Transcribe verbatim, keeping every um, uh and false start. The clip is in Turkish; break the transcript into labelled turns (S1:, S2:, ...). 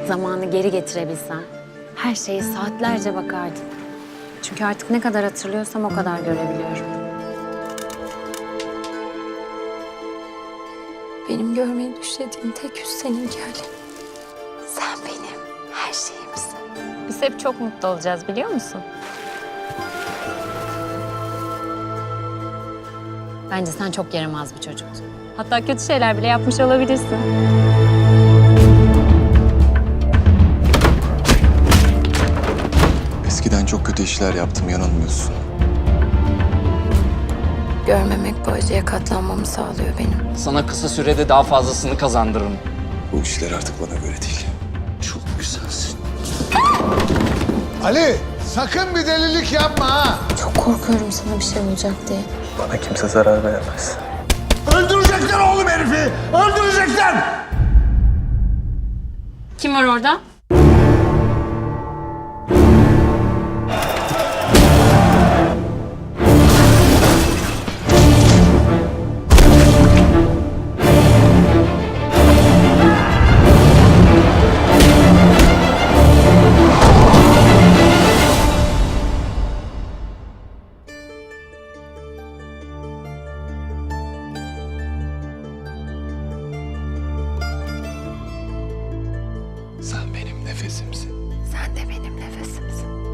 S1: Zamanı geri getirebilsen her şeye saatlerce bakardım. Çünkü artık ne kadar hatırlıyorsam o kadar görebiliyorum.
S2: Benim görmeyi düşlediğim tek yüz seninki Ali. Sen benim her şeyimsin.
S1: Biz hep çok mutlu olacağız biliyor musun? Bence sen çok yaramaz bir çocuktun. Hatta kötü şeyler bile yapmış olabilirsin.
S3: Eskiden çok kötü işler yaptım, yanılmıyorsun.
S2: Görmemek bu acıya katlanmamı sağlıyor benim.
S4: Sana kısa sürede daha fazlasını kazandırırım.
S3: Bu işler artık bana göre değil. Çok güzelsin.
S5: Ali, sakın bir delilik yapma ha.
S2: Çok korkuyorum sana bir şey olacak diye.
S3: Bana kimse zarar veremez.
S5: Öldürecekler oğlum herifi, öldürecekler.
S1: Kim var orada?
S3: Sen benim nefesimsin.
S2: Sen de benim nefesimsin.